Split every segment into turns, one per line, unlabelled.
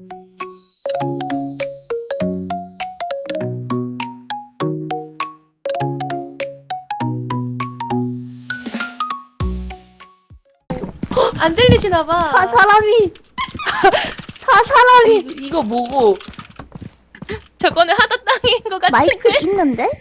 안 들리시나봐.
사람이
이거 뭐고?
저거는 하다 땅인 것 같은데.
마이크 있는데?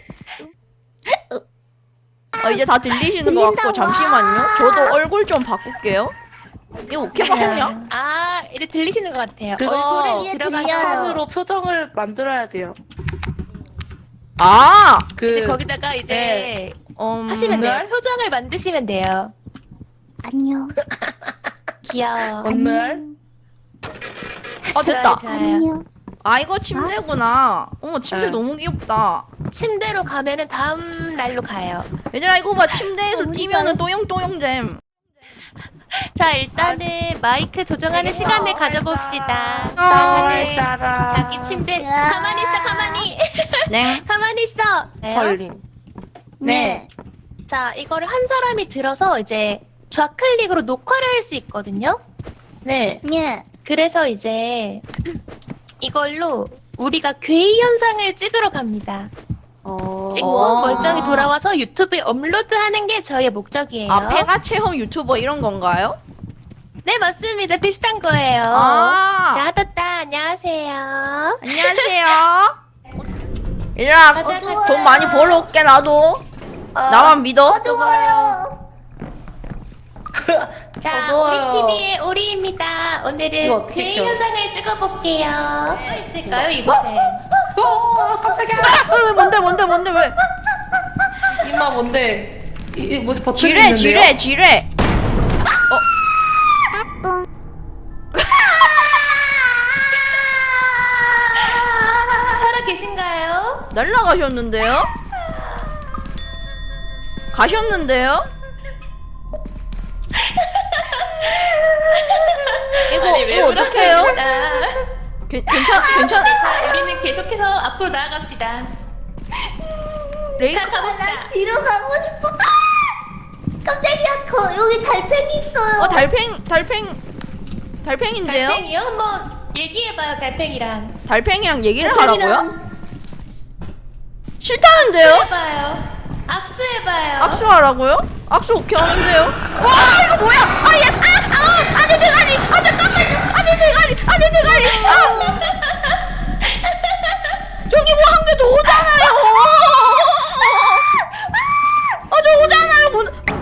이제 다 들리시는 것 같고 잠시만요. 저도 얼굴 좀 바꿀게요. 이거 오케이 바꾸냐?
아, 이제 들리시는 것 같아요.
그거
얼굴에 들어가서
판으로 표정을 만들어야 돼요.
아,
이제 거기다가 이제 하시면 돼요. 표정을 만드시면 돼요.
안녕.
귀여워.
오늘
됐다.
좋아요.
안녕.
아, 이거 침대구나. 어머, 침대
네.
너무 귀엽다.
침대로 가면은 다음 날로 가요.
얘들아, 이거 봐. 침대에서 뛰면은 또용또용잼.
자, 일단은 마이크 조정하는 시간을 가져봅시다.
헐
다들
따라
자기 침대 가만히 있어, 가만히.
네.
가만히 있어.
헐린.
네.
자, 이거를 한 사람이 들어서 이제 좌클릭으로 녹화를 할 수 있거든요.
네.
예.
그래서 이제 이걸로 우리가 괴이 현상을 찍으러 갑니다. 찍고
와.
멀쩡히 돌아와서 유튜브에 업로드하는 게 저희의 목적이에요.
아, 폐가 체험 유튜버 이런 건가요?
네, 맞습니다. 비슷한 거예요.
아.
자, 하다따 안녕하세요.
안녕하세요. 얘들아,
가자, 가자.
돈 많이 벌어올게, 나도. 나만 믿어.
어두워요.
자,
어두워요.
우리 TV의 오리입니다.
이거
오늘은
어떻게
괴이
껴?
현상을 찍어볼게요. 뭐 있을까요, 이곳에?
깜짝이야.
뭔데, 왜?
이마 뭔데? 이 뭐지 버튼이
지뢰,
있는데요?
지뢰.
살아 계신가요?
날라가셨는데요? 가셨는데요? 이거 어떡해요? 괜찮?
자, 우리는 계속해서 앞으로 나아갑시다.
레이크
자, 가봅시다.
뒤로 가고 싶어. 깜짝이야. 여기 달팽이 있어요.
달팽인데요?
달팽이요? 한번 얘기해봐요, 달팽이랑.
달팽이랑 얘기를
달팽이랑
하라고요? 싫다는데요?
해봐요. 악수해봐요.
악수하라고요? 악수 오케이 하는데요? 와, 이거 뭐야? 내 대가리! 잠깐만요! 내 대가리! 저기 뭐 한 개 더 오잖아요! 저 오잖아요!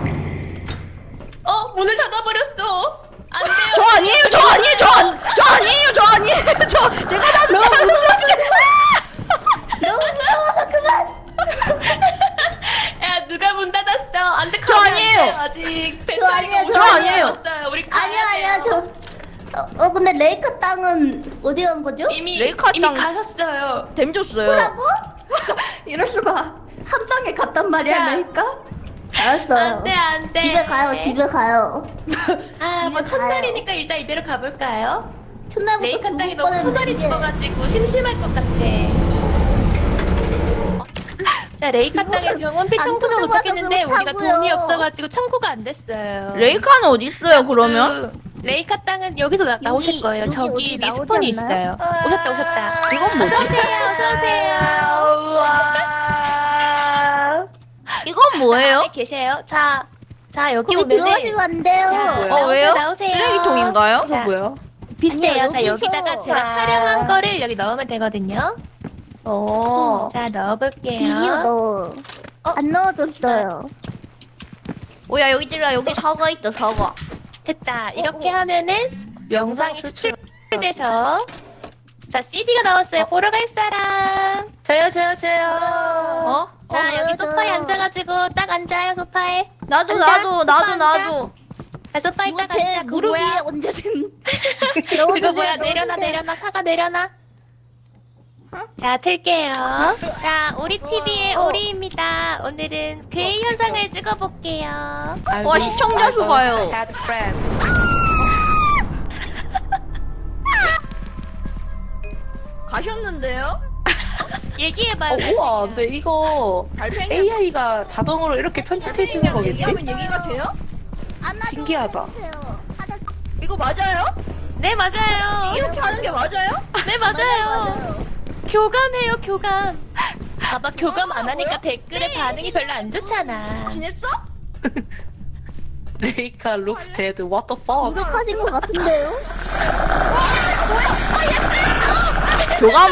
문을 닫아버렸어. 안 돼요.
저 아니에요! 제가 다 진짜
너무 무서워서 그만.
야, 누가 문 닫았어? 안 돼,
저 아니에요.
아직
아니에요,
배터리가
저
아니에요.
없어요. 우리 가야
아니야.
돼요.
근데 레이카 땅은 어디 간 거죠?
이미
레이카 땅-
가셨어요.
댐 줬어요.
뭐라고? 이럴 수가. 한 방에 갔단 말이야,
자.
레이카? 알았어요.
안 돼.
집에 가요, 집에 가요.
뭐
집에
첫날이니까 일단 이대로 가볼까요?
첫날부터
레이카 땅이 너무
뻔했는데.
토달이 집어가지고 심심할 것 같아. 자, 레이카 땅에 병원비
안
청구서
터져봐서
도착했는데 우리가
그렇다고요.
돈이 없어가지고 청구가 안 됐어요.
레이카는 어디 있어요, 그러면?
레이카 땅은 여기서 나오실 거예요.
여기
저기
어디 나오지
리스폰이
않나요?
있어요. 오셨다.
이건 뭐지?
어서오세요.
이건 뭐예요?
안에 계세요. 자, 여기
거기 들어가시면
오면은
안 돼요.
자,
왜요?
나오세요.
쓰레기통인가요?
자,
뭐야?
비슷해요.
아니야,
자,
여기서.
여기다가 제가
자.
촬영한 거를 여기 넣으면 되거든요. 자,
비디오
넣어볼게요.
넣어. 안 넣어줬어요.
오야, 여기 사과 있다, 사과.
됐다. 이렇게 하면은 영상이 추출돼서 자, CD가 나왔어요. 보러 갈 사람.
저요.
어?
자, 여기
저요.
소파에 앉아가지고 딱 앉아요, 소파에.
나도.
자, 소파에 딱
제
앉아. 그거
무릎 위에
뭐야?
얹어진.
그거 뭐야? 내려놔. 사과 내려놔. 자, 틀게요. 자, 오리 TV의 오리입니다. 오늘은 괴이 현상을 찍어볼게요.
와, 시청자 수 봐요. 가셨는데요?
얘기해봐요.
우와, 근데 이거
달팽이
AI가 자동으로 이렇게 편집해주는 거겠지?
얘기하면 얘기가 돼요?
안아줘
신기하다.
주세요. 하나
이거 맞아요?
네 맞아요.
이렇게 하는 게 맞아요?
네 맞아요. 교감해요 교감. 봐봐 교감 안 하니까 댓글에 반응이 별로 안 좋잖아.
지냈어?
레이카 looks dead. What the fuck?
노력하신 것 같은데요?
교감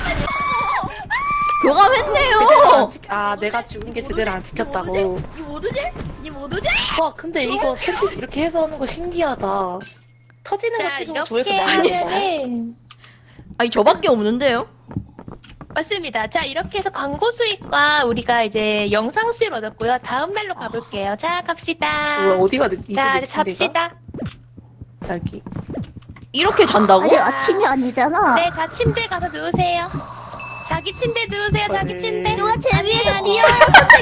제대로
교감했네요.
안 아 내가 죽은 게 제대로 안 지켰다고.
니 모두지? 니 모두지?
와 근데 이거 편집 이렇게 해서 하는 거 신기하다. 터지는 거
자
찍으면 조회수
이렇게
많이 나와.
하면은
아니 저밖에 없는데요?
맞습니다. 자 이렇게 해서 광고 수익과 우리가 이제 영상 수익을 얻었고요. 다음 날로 가볼게요. 자 갑시다.
뭐야 어디가 됐지?
자
이제
이제 잡시다.
여기.
이렇게 잔다고?
아직 아침이 아니잖아.
네, 자 침대 가서 누우세요. 자기 침대 누우세요. 자기 침대.
누가 재미있어
아니,
뛰어요,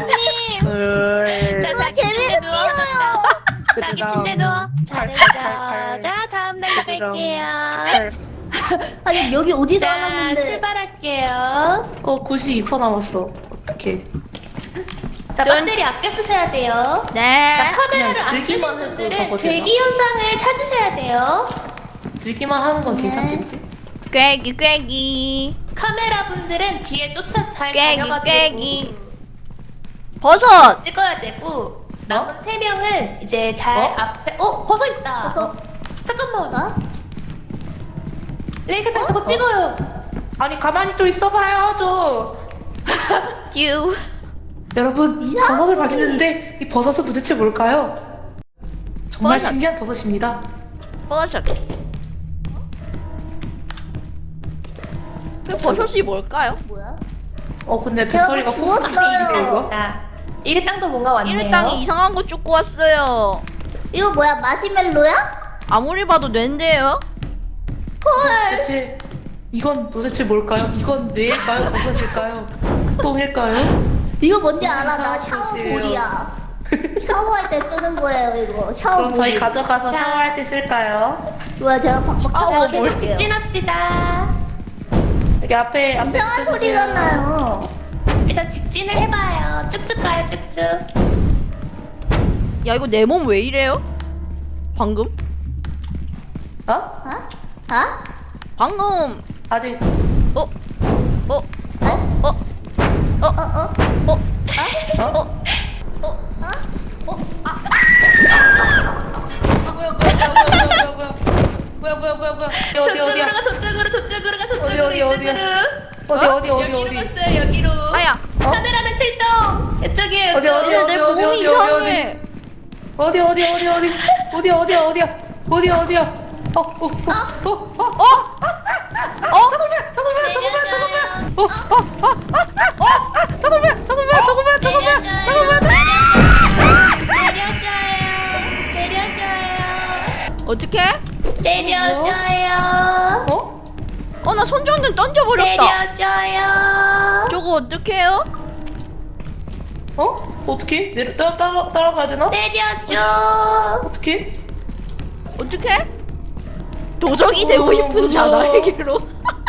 선생님.
자
누가
자기 침대
재미있어
누워.
뛰어요.
자기
그다음
침대 누워.
칼,
잘했어.
칼.
자 다음 날로
그다음
갈게요.
아니 여기 어디
자
나왔는데?
출발할게요.
92% 남았어. 어떡해.
자
짠.
배터리 아껴 쓰셔야 돼요. 자
네.
카메라를
그냥
아끼신
들기만 해도
분들은
저거 되나?
대기 현상을 찾으셔야 돼요.
들기만 하는 건
네.
괜찮겠지?
꾀기 꾀기
카메라 분들은 뒤에 쫓아 잘
꾀기
다녀가지고
꾀기 버섯!
찍어야 되고 남은 3명은 이제 잘
어?
앞에 버섯 있다.
버섯.
잠깐만.
어?
레이카탄 저거 찍어요.
아니 가만히 좀 있어봐요 좀.
듀
여러분 버섯을 발견했는데 이 버섯은 도대체 뭘까요? 정말
버섯.
신기한 버섯입니다.
버섯 그 버섯이 뭘까요?
뭐야?
근데
제가
배터리가
그거 주웠어요.
이거?
이리 땅도 뭔가 왔네요.
이를 땅이 이상한 거 쫓고 왔어요.
이거 뭐야? 마시멜로야?
아무리 봐도 뇌인데요?
도대체 이건 도대체 뭘까요? 이건 뇌일까요? 버섯일까요? 똥일까요?
이거 뭔지 알아? 나
이상한
샤워
짓이에요.
볼이야. 샤워할 때 쓰는 거예요 이거. 샤워
그럼 저희
볼.
가져가서
자.
샤워할 때 쓸까요?
뭐야 제가 박박
자
샤워
계속
볼게요.
직진합시다.
여기 앞에
이상한 소리가
써주세요.
나요.
일단 직진을 해봐요. 쭉쭉 가요 쭉쭉.
야 이거 내 몸 왜 이래요? 방금?
어?
어? 어?
방금
아직
어? 어?
어?
어?
어? 어?
어?
어? 뭐야 어디 어디야
저쪽으로 가 저쪽으로
어디, 어디야?
이쪽으로.
어디
여기로 갔어요 여기로.
아야
카메라맨 출동. 이쪽이에요.
어디,
이쪽.
어디,
내 몸이
어디,
이상해.
어디야
내려줘요.
어떻게?
내려줘요.
어?
나 손전등 던져버렸다.
내려줘요.
저거 어떡해요?
어? 어떻게? 따라가야 되나?
내려줘.
어떻게?
어떡해? 도적이 되고 싶은
무서워.
자나에게로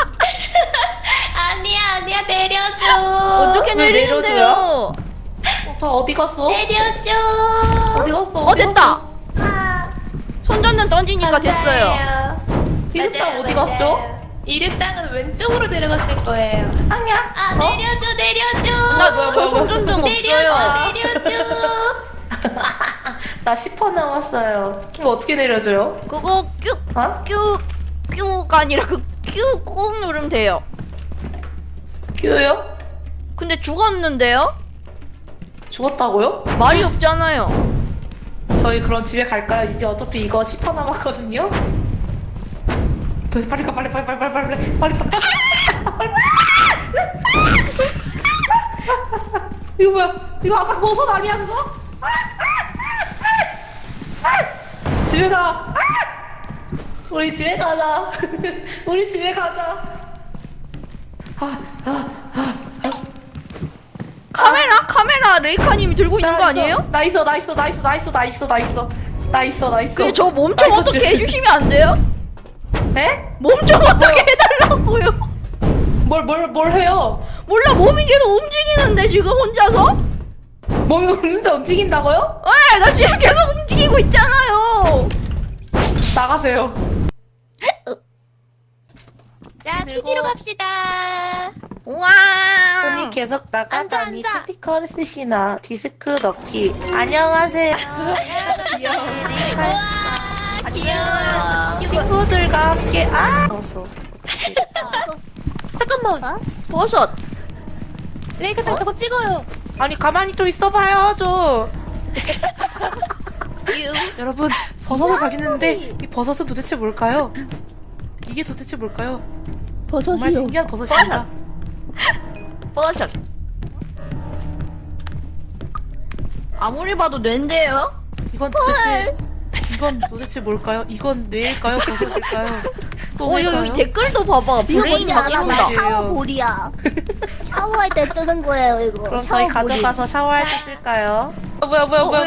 아니야 내려줘.
어떻게
왜
내리는데요?
다 어디 갔어?
내려줘.
어디 갔어?
됐다.
아,
손전등 던지니까 됐어요.
감사해요.
이륙당
맞아요,
어디
맞아요.
갔죠?
이륙당은 왼쪽으로 내려갔을 거예요.
아니야.
아 내려줘.
나
뭐야,
저
뭐야,
손전등
내려줘
없어요.
내려줘.
나 10% 남았어요. 이거 어떻게 내려줘요?
그거
어?
큐가 아니라 그 큐 꾹 누르면 돼요.
큐요?
근데 죽었는데요?
죽었다고요?
말이 없잖아요.
저희 그럼 집에 갈까요? 이제 어차피 이거 10% 남았거든요. 빨리 가 빨리. 이거 뭐야? 이거 아까 버섯 아니야 그거? 집에 가. 우리 집에 가자. 우리 집에 가자.
카메라 레이카님이 들고 있는 거 아니에요?
나 있어.
그게 저 몸 좀 어떻게 해주시면 안 돼요?
에?
몸 좀 어떻게 해달라고요?
뭘 해요?
몰라 몸이 계속 움직이는데 지금 혼자서?
몸이 혼자 움직인다고요?
나 지금 계속 움직이고 있잖아요.
나가세요.
자, TV로 갑시다.
우와.
손이 계속 나가다니
앉아.
스피커를 쓰시나 디스크 넣기. 안녕하세요.
귀여워.
친구들과 함께 어서.
잠깐만.
버섯.
레이카탕 저거 찍어요.
아니 가만히 좀 있어봐요 좀. 여러분 버섯을 발견했는데 이 버섯은 도대체 뭘까요? 이게 도대체 뭘까요? 정말 신기한 버섯입니다.
버섯. 아무리 봐도 뇌인데요?
이건 도대체 뭘까요? 이건 뇌일까요? 버섯일까요? 또
여기
뭘까요?
댓글도 봐봐.
이거
브레인
뭔지
막
알아?
이런다.
이런다.
샤워볼이야. 샤워할 때 쓰는 거예요 이거.
그럼 저희
샤워볼이.
가져가서 샤워할 때 쓸까요? 뭐야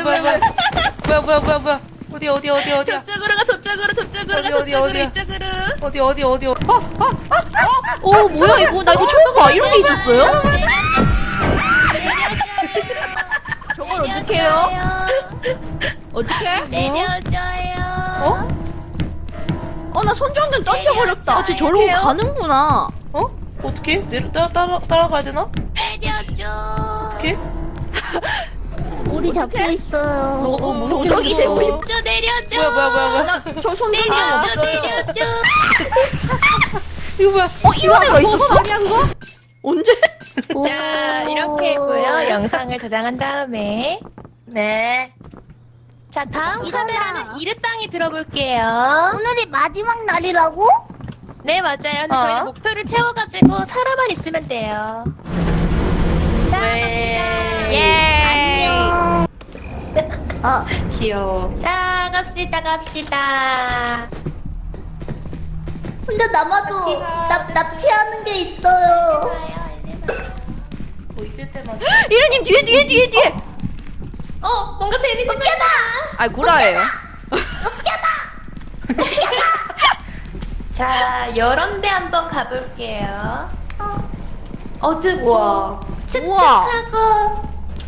어디야?
저쪽으로 가, 저쪽으로 가,
어디,
저쪽으로,
어디야?
이쪽으로.
어디?
뭐야 이거? 나 이거 처음 봐. 이런 게 있었어요? 저걸 어떻게 해요? 어떻게?
내려줘요.
나 손전등 던져버렸다. 쟤 저러고
어떡해요?
가는구나.
어떻게? 따라가야 되나?
내려줘.
어떻게?
볼이 잡혀 있어요.
저거 너무 무서워.
저기 세고 싶.
저 내려줘.
뭐야?
저 손전등
내려줘,
없어요.
내려줘.
이거 뭐야?
이런 애가 있었어? 언제?
자, 이렇게 했고요. 영상을 저장한 다음에.
네.
자, 다음
이거다.
카메라는 이르땅이 들어볼게요.
오늘이 마지막 날이라고?
네, 맞아요. 근데 저희는 목표를 채워가지고 살아만 있으면 돼요. 자, 갑시다.
예.
안녕.
귀여워.
자, 갑시다.
혼자 남아도 납치하는 게 있어요.
뭐 있을 때만.
이르님 뒤에.
뭔가 재밌는 거 있다.
아 구라예요.
자, 여런데 한번 가볼게요. 어둡고
우와.
칙칙하고.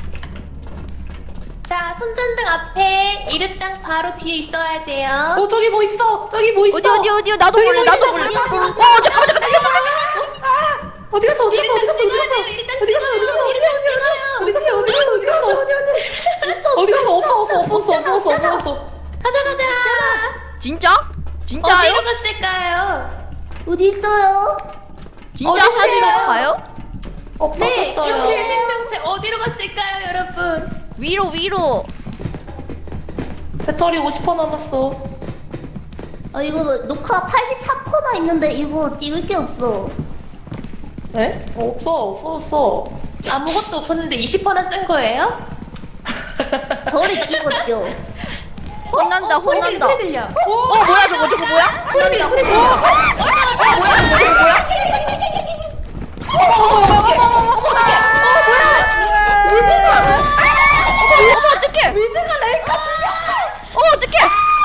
자, 손전등 앞에 이르땅 바로 뒤에 있어야 돼요.
저기 뭐 있어?
어디 나도 몰라. 잠깐만.
어디 갔어?
이르땅 찍어야 돼요. 이르땅 찍어요.
어디 갔어? 없어.
가자.
진짜?
어디로
진짜요?
갔을까요?
어디 있어요?
진짜 사진이 가요?
네,
없어졌어요.
이렇게 생명체 어디로 갔을까요, 여러분?
위로.
배터리 50% 남았어.
이거 녹화 84%나 있는데 이거 찍을 게 없어.
에? 없어졌어.
아무것도 없었는데 20%나 쓴 거예요?
저를 찍었죠.
혼난다.
소리 들려.
뭐야 저거 뭐야?
소리 들려.
어머 어떡해! 위즈가 렉 어머 어떡해!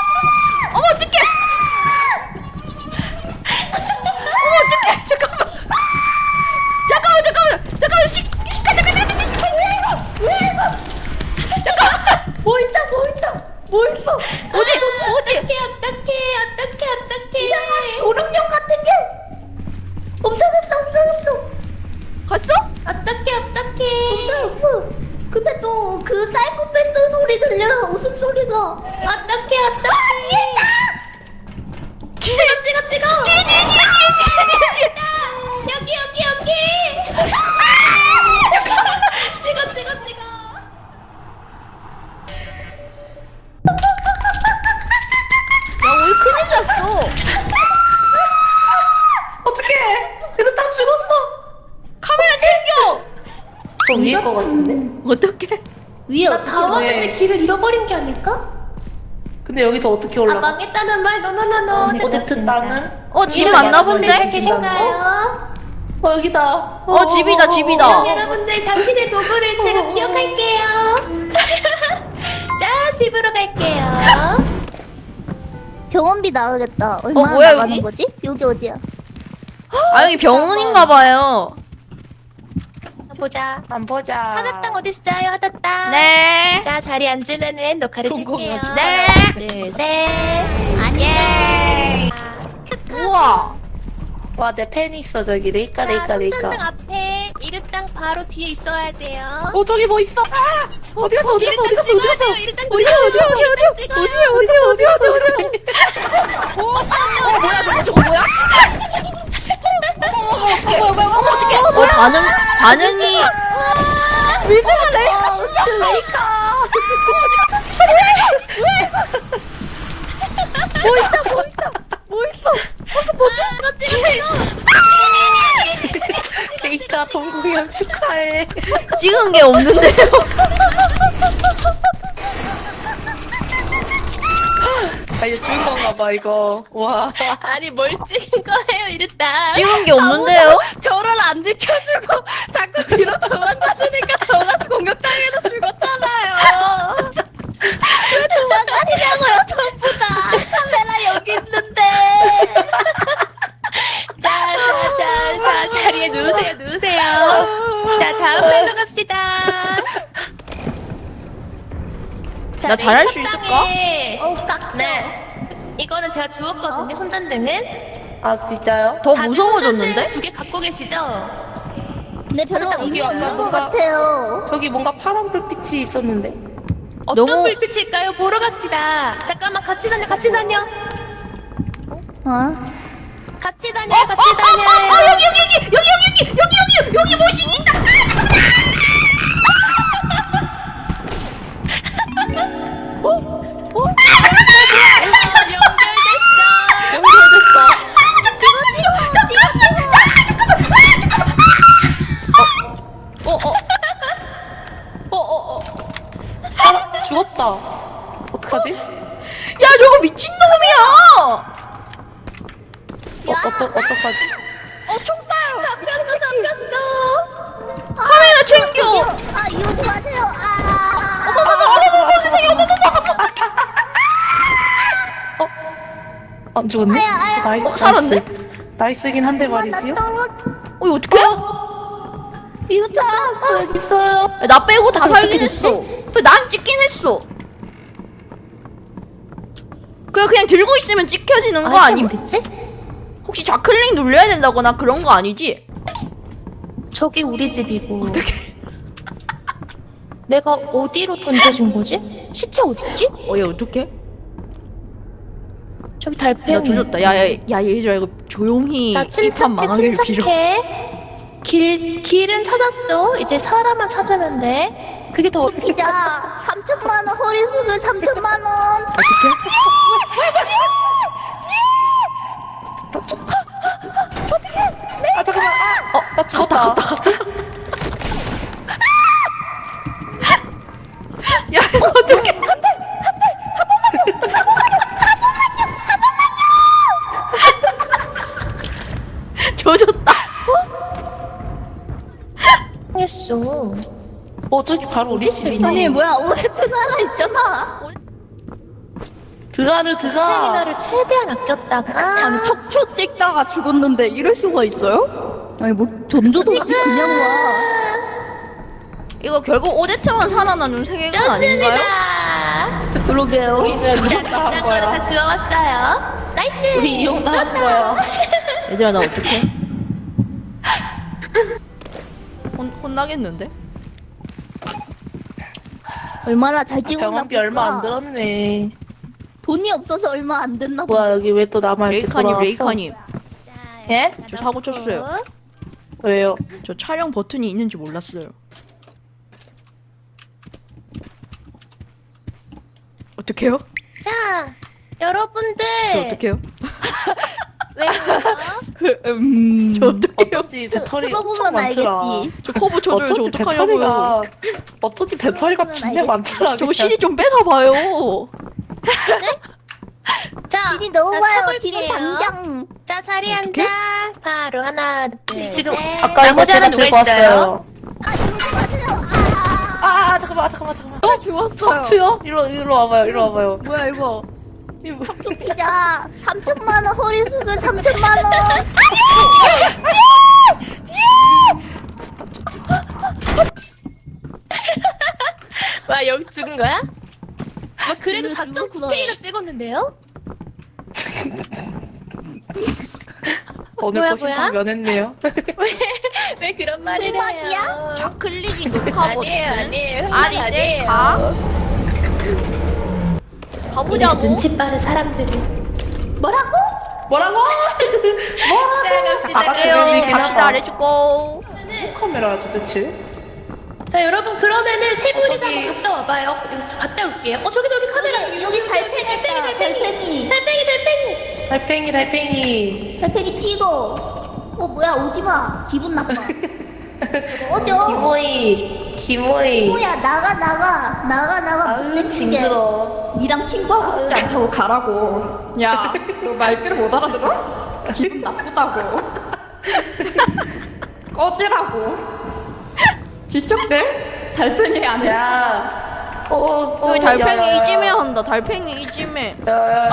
잠깐만!
뭐 있어?
어디?
어떡해.
도룡령 같은 게 없어졌어.
갔어?
어떡해.
없어. 근데 또 그 사이코패스 소리 들려. 웃음소리가.
어떡해. 찍어. 여기. 찍어.
야 우리 큰일 났어.
어떡해? 이거 딱 죽었어.
카메라 챙겨.
저 위에 거 같은데?
어떡해?
위에
나
어떻게
다 왔는데
네.
길을 잃어버린 게 아닐까?
근데 여기서 어떻게
아,
올라가?
망했다는 말. 노노노노.
오데트 땅은?
집
여러분들
맞나 본데?
계신가요?
여기다.
집이다.
여러분들 당신의 도구를 제가 기억할게요. 자, 집으로 갈게요.
병원비 나오겠다. 얼마나
뭐야,
나가는
여기?
거지? 여기 어디야?
아 여기 병원인가 봐요.
보자.
안 보자.
하나땅 어딨어요? 하나땅.
네.
자, 자리 앉으면은 녹화를 킬게요.
성공하지.
네.
하나, 둘, 셋.
아니.
우와.
와, 내 팬이 있어, 저기. 레이까,
자,
레이까,
손전등
레이까.
앞에 이르땅 바로 뒤에 있어야 돼요.
어, 저기 뭐 있어? 아! 어디 갔어, 어디 갔어, 어디 갔어, 어디 갔어?
이르땅
어디야,
찍어야
어디야,
돼요.
어디야,
이르땅 찍어요.
어디야,
반응이.
미주가 레이카, 레이카.
이거 찍으세요.
레이카 동공연 축하해.
찍은 게 없는데요?
아, 이거 죽은 건가 봐, 이거. 와.
아니 뭘 찍은 거예요, 이르땅?
찍은 게 없는데요?
저를 안 지켜주고 자꾸 뒤로 도망가니까 저같이 공격당해서 죽었잖아요. 왜 도망가시냐고요, 전부 다.
카메라 여기 있는데.
자, 자리에 누우세요. 자, 다음 발로 갑시다. 자,
나 잘할 수
레이카
있을까?
땅에
깍.
네. 이거는 제가 주웠거든요, 손전등은.
아, 진짜요?
더 무서워졌는데?
2개 갖고 계시죠?
근데 별로
일단
의미
여기요.
없는 것 같아요.
저기 뭔가 파란 불빛이 있었는데.
어떤
너무-
불빛일까요? 보러 갑시다. 잠깐만, 같이 다녀.
어?
같이 다녀요.
여기 모신 있다!
연결됐어.
죽었다. 어떡하지?
야, 저거 미친놈이야!
어떡하지?
잡혔어.
카메라 챙겨!
아 이러지 마세요.
안 죽었네?
아야.
살았네?
나이스긴 한데 말이지요?
이거 어떡해?
이렇다! 여기 있어요.
야, 나 빼고 다
어떻게
살긴
됐지?
했어. 난 찍긴 했어. 그냥 들고 있으면 찍혀지는 거 아님?
됐지?
혹시 좌클릭 눌려야 된다거나 그런 거 아니지?
저기 우리 집이고. 내가 어디로 던져준 거지? 시체 어딨지?
얘 어떡해?
저기 달팽이.
나 조졌다. 야, 얘들아, 이거 조용히
자,
일판 망하길 빌어.
침착해. 길은 찾았어. 이제 사람만 찾으면 돼. 그게 더
피자 3천만 원 허리 수술 3천만 원.
어떡해?
아, 잠깐만. 나 죽었다.
야, 이거 어떡해? 조졌다.
했어.
저기 바로 우리 집이네.
아니 뭐야 오해트 하나 있잖아.
드가를 드가.
스태미나를 최대한 아꼈다가
아니 척추 찍다가 죽었는데 이럴 수가 있어요? 아니 뭐 전조도 없이 그냥 와.
이거 결국 오데트만 살아남는 세계관 아닌가요?
좋습니다.
그러게요.
우리는
자,
이용 다 한
비싼 거는 다
거야.
지워왔어요. 나이스.
우리 이용 다 한 거야.
얘들아, 나 어떡해? 혼나겠는데?
얼마나 잘 찍었나
병원비 얼마 안
볼까?
들었네.
돈이 없어서 얼마 안 됐나 봐.
뭐야, 여기 왜 또 나만 이렇게 돌아왔어?
레이카님.
예?
저 사고 쳤어요.
왜요?
저 촬영 버튼이 있는지 몰랐어요. 어떡해요?
자, 여러분들.
저 어떡해요?
왜요?
저 어떡해요?
어쩐지 배터리
들어보면
엄청 많더라.
알겠지.
저 커브 쳐줘요. 저
어쩐지
어떡하냐고요?
배터리가 어쩐지 배터리가
들어보면
진짜 많더라.
저거
그냥.
CD 좀 뺏어봐요.
자,
지니 넣어봐요.
쳐볼게요.
지니 당장.
자, 자리 앉아. 바로 하나, 둘,
지금
셋.
아까 이거
나머지
제가
하나 누가
들고
있어요?
왔어요.
아 이러지 마세요.
잠깐만.
죽었어요.
척추요? 일로 와봐요.
뭐야 이거?
이거
피자 3천만 원 허리 수술 3천만 원.
와, 여기 죽은 거야? 와, 그래도
죽었어.
4.9K가 찍었는데요?
오늘
뭐야,
고심
뭐야?
다 면했네요.
왜 그런 말을
음악이야?
해요?
좌클릭이 녹화
아니에요,
버튼.
아니에요.
아, 이제
아니에요.
가.
이래서
가보자고.
눈치 빠른 사람들이.
뭐라고?
뭐라고?
자, 갑시다.
다 같이
그래요.
재밌긴
갑시다.
하다.
렛츠고.
카메라 도대체?
자, 여러분 그러면은 세 분이서
저기-
한번 갔다 와봐요. 여기 저 갔다 올게요. 저기 카메라.
여기 달팽이 있다. 달팽이.
달팽이.
달팽이 찍어. 뭐야 오지마. 기분 나빠. 어져.
기모이.
뭐야 나가.
아유,
무슨
징그러.
니랑 친구하고 싶지 않다고 가라고. 야, 너 말귀를 못 알아들어? 기분 나쁘다고. 꺼지라고. 지적돼? 달팽이 안 해.
야.
여기 달팽이 이지매 한다. 달팽이 이지매.
야.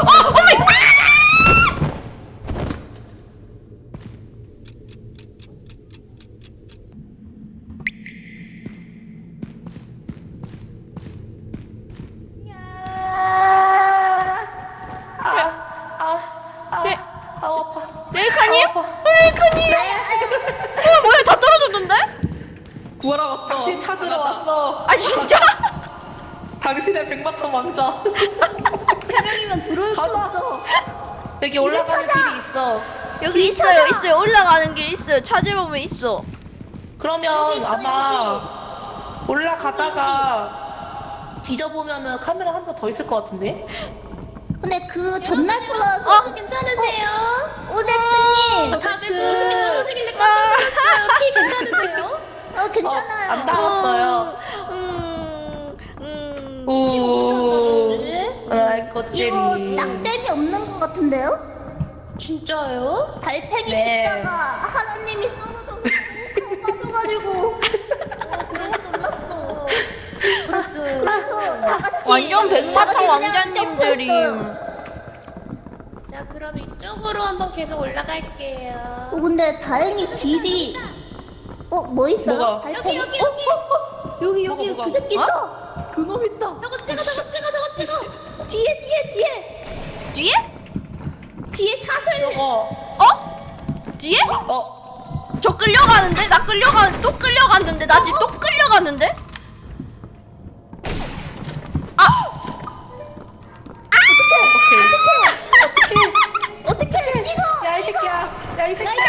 레이카님? 레이카님? 뭐야 다 떨어졌는데?
구하러 왔어.
당신 찾으러 왔어.
아 진짜?
당신의 백마탄 왕자.
세 명이면 들어올 수
가자.
없어.
여기 올라가는 길이 있어.
여기 있어요. 올라가는 길 있어요. 찾아보면 있어.
그러면 아마 올라가다가 뒤져보면은 카메라 한 번 더 있을 것 같은데?
근데 그 전날 거라서
괜찮으세요?
오데스님.
다들 무엇이길래 깜짝 놀랐어요. 피 괜찮으세요?
괜찮아요.
안 나왔어요. 우. 아이
이거
꽃제리.
땅댐이 없는 것 같은데요?
진짜요?
달팽이
네.
찍다가 하나님이 떨어져 빠져가지고 너무 놀랐어.
그랬어요.
그래서 다 같이
완전 백마탄
다 같이 그냥
왕자님들이.
점프했어요.
자, 그럼 이쪽으로 한번 계속 올라갈게요.
근데 다행히 길이 뭐 있어요?
뭐가?
달팽이?
여기.
여기
뭐가?
그 새끼 있다. 그놈 있다.
저거 찍어.
뒤에
뒤에?
뒤에 사슬.
뒤에?
어.
저 끌려가는데? 또 끌려갔는데? 나 지금 또 끌려갔는데?
어떻게 찍어?
야 이 새끼야. 야 이 새끼야.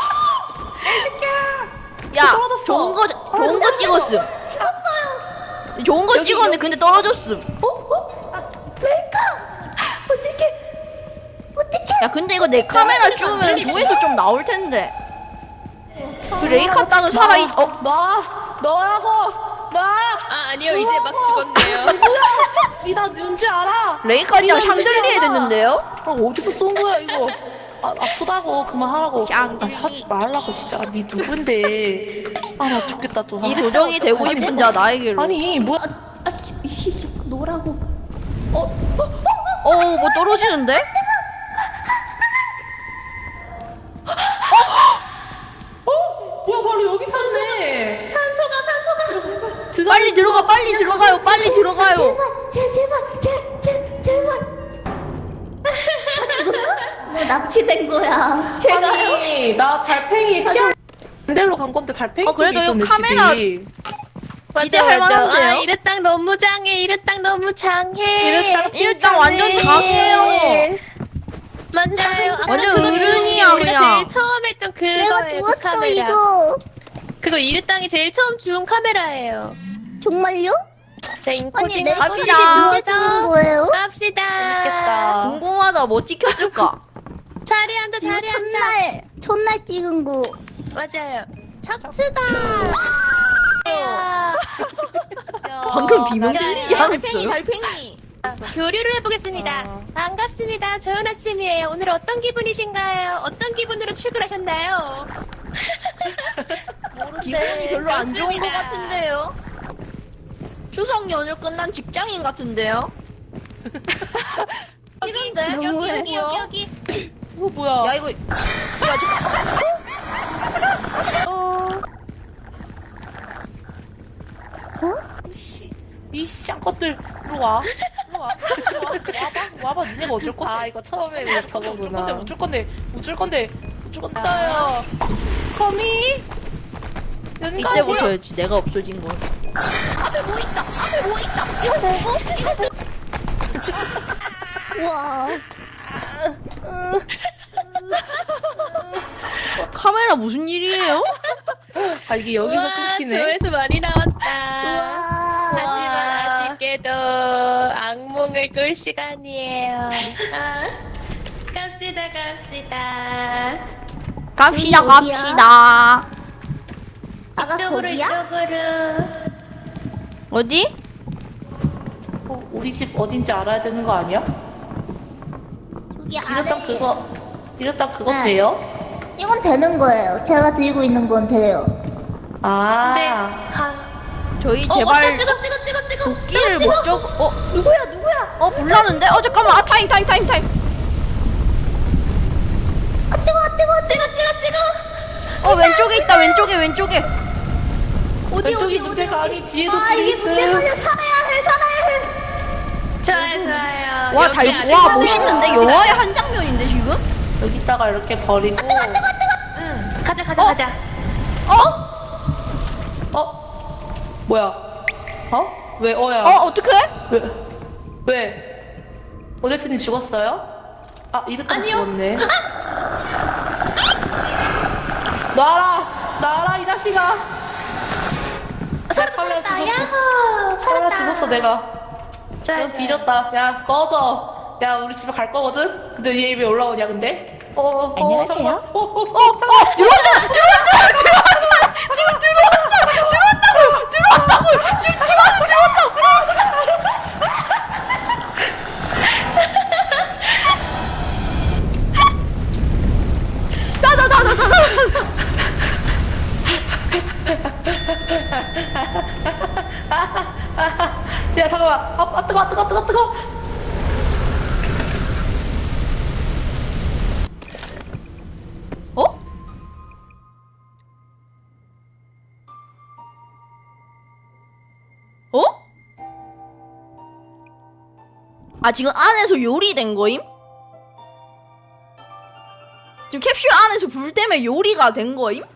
야,
떨어졌어.
좋은 거 찍었음.
죽었어요.
좋은 거 찍었는데 근데 떨어졌음.
레이카. 어떻게?
야, 근데 이거 내 카메라 찍으면 조회수 좀 나올 텐데. 그 레이카 땅은 살아있.
너라고.
아니요. 이제 막 죽었네요.
니나 누군지 알아?
레이카 땅 샹들리에 됐는데요?
어디서 쏜 거야 이거? 아프다고 그만하라고.
샹들리.
하지 말라고 진짜. 니 누군데? 나 죽겠다 또.
이 도정이 되고 싶은 자 나에게로.
아니 뭐야?
씨, 노라고.
뭐 떨어지는데?
뭐야 바로 여기 있었네.
산소가.
빨리 들어가요. 빨리 들어가요.
제발. 너 납치된 거야. 제가
아니 나 달팽이 피할 반대로 간 건데 달팽이
그래도
쪽에
이거
있었네,
카메라-
집이.
기대할 만한데요?
이르 땅 너무 장해. 이르 땅 너무 장해.
일단 완전 장해요.
맞아요.
완전
그거
어른이야,
우리가
그냥.
제일 처음 했던
내가
그거예요. 그
죽었어
카메라.
이거.
그거 이르 땅이 제일 처음 주운 카메라예요.
정말요?
자,
아니
인코딩을
내가
갑시다.
어떻게 죽은 거예요?
갑시다.
재밌겠다.
궁금하다. 뭐 찍혔을까?
자리 앉아.
첫날 찍은 거.
맞아요. 척추다.
방금 비명 들리지
달팽이,
않았어요?
달팽이.
교류를 해보겠습니다. 반갑습니다. 좋은 아침이에요. 오늘 어떤 기분이신가요? 어떤 기분으로 출근하셨나요?
기분이 별로 안 좋은 것
좋습니다.
같은데요? 추석 연휴 끝난 직장인 같은데요?
여기.
뭐야?
야 이거
이 쌍것들 이리 와. 와봐. 니네가 어쩔 건데? 이거 처음에는 저거구나. 어쩔 건데. 죽었어요. 거미.
이때
연가시.
보셔야지. 내가 없어진 거. 앞에 뭐 있다. 앞에 뭐 있다. 이거 먹어? 이거 먹어.
와.
카메라 무슨 일이에요?
아 이게 여기서
우와,
끊기네.
조회수 많이 나왔다.
와.
하지만 아쉽게도 악몽을 꿀 시간이에요. 갑시다.
갑시다,
여기 어디야?
갑시다.
아가
이쪽으로.
어디?
우리 집 어딘지 알아야 되는 거 아니야?
여기
이랬다 그거
네.
돼요?
이건 되는 거예요. 제가 들고 있는 건 돼요.
아.
네,
저희 제발
찍어.
도끼를 목적.
누구야?
불나는데? 잠깐만. 타임.
찍어.
왼쪽에 있다. 왼쪽에.
왼쪽이 문제가 아니 뒤에도
아,
둘이
이게
있음.
문제군요. 살아야 해.
좋아요.
와,
여기 안에
와,
사람이
멋있는데?
있어요.
영화의 한 장면인데, 지금?
여기다가 이렇게 버리고.
가자.
뭐야? 왜 어야?
어떡해?
왜? 오데트님 죽었어요? 아 이랬다
아니요.
죽었네. 놔라 이 자식아. 내 카메라 죽었어.
야호.
카메라
살았다.
죽었어 내가.
좋아요.
넌 뒤졌다. 야 꺼져. 야 우리 집에 갈 거거든. 근데 얘 왜 올라오냐 근데?
안녕하세요.
잠깐만.
들어왔잖아! 지금 들어왔다고! 지금 집 안에 들어왔다고!
야 잠깐만. 뜨거.
어? 아, 지금 안에서 요리된 거임? 지금 캡슐 안에서 불 때문에 요리가 된 거임?